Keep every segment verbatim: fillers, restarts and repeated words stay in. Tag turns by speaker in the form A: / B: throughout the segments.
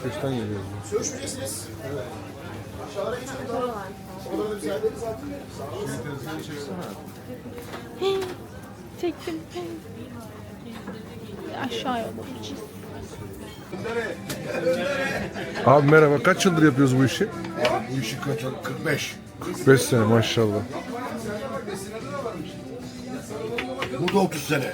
A: Beşiktaş'tan geliyoruz.
B: Görüşmeyeceksiniz. Evet. Aşağılara geçelim daha. Oraları da bize hallederiz artık.
A: Şimdi tezgahı çeksene.
C: Çektim. Aşağı yollamışız.
A: Abi merhaba. Kaç yıldır yapıyoruz bu işi?
B: Bu işi kaç? kırk beş.
A: kırk beş sene maşallah.
B: Bu da otuz sene.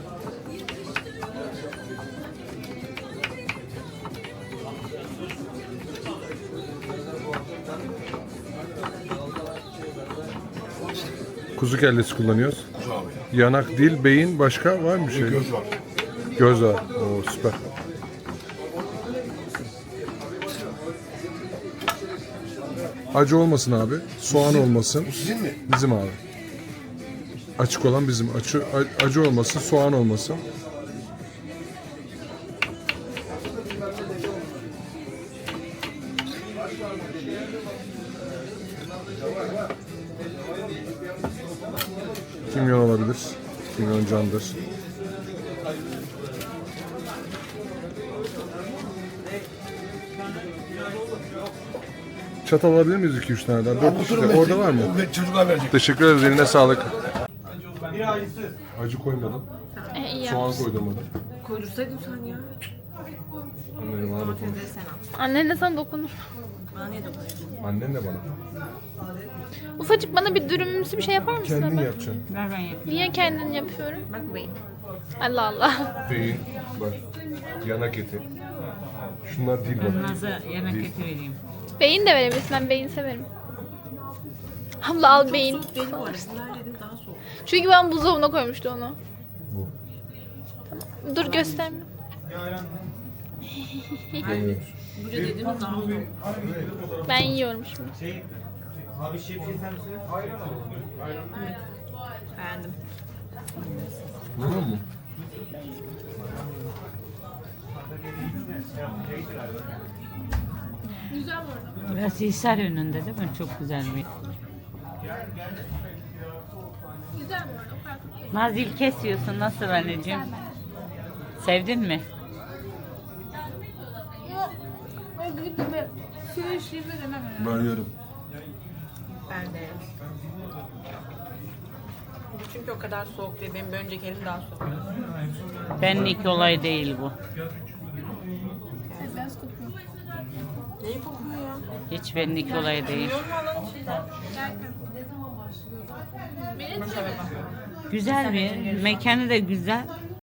A: Kuzu kellesi kullanıyoruz.
B: Kuzu abi.
A: Yanak, dil, beyin başka var mı şey?
B: Göz var.
A: Göz var. Oo süper. Acı olmasın abi. Soğan olmasın.
B: Bu sizin mi?
A: Bizim abi. Açık olan bizim. Acı, acı olmasın, soğan olmasın. Kimyon olabilir. Kimyon candır. Çatal alabilir miyiz iki üç tane daha? dört kişi de. Orada var mı?
B: Çocuklar verecek.
A: Teşekkür ederiz. Eline sağlık. Acı koymadım.
C: E, iyi
A: Soğan
C: yapmışsın.
A: koydum.
D: Koydursaydın sen ya.
A: Annem bana dokunur.
D: Domatesleri sen al.
C: Annen de sana dokunur.
D: Bana niye dokunuyorsun?
A: Annen de bana.
C: Ufacık bana bir dürümümsü bir şey yapar mısın?
A: Kendin
C: hemen?
A: yapacaksın.
D: Ver ben yapayım.
C: Niye kendin yapıyorum?
D: Bak beyin.
C: Allah Allah.
A: Beyin, bak, yanak eti. Şunlar değil bak.
D: Naz'a yemek
A: Değil.
D: eti vereyim.
C: Beyin de verebilirsin. Ben beyin severim. Abla al beyin.
D: Soğuk değil bu arada. Bunlar dedim daha soğuk.
C: Çünkü ben buzdolabına koymuştu onu.
A: Bu.
C: Dur gösterme.
A: Yemiyoruz.
D: Bu dediğimiz daha soğuk.
C: Ben yiyorum şimdi.
E: Abi şey bir şey sen misin?
D: Beğendim.
A: Anladın mı?
F: Burası Hisar önünde değil mi? Çok güzel bir. Nazil kesiyorsun. Nasıl anneciğim? Sevdin mi?
A: Ben yerim.
D: Ben de. Çünkü o kadar soğuk değil. Benim bir önceki elim daha soğuk.
F: Benlik olay değil bu.
D: Neyi kokuyor ya?
F: Hiç benlik olay değil.
D: Yorum alan içinden. Bunu severim.
F: Güzel bir. Mekanı da güzel.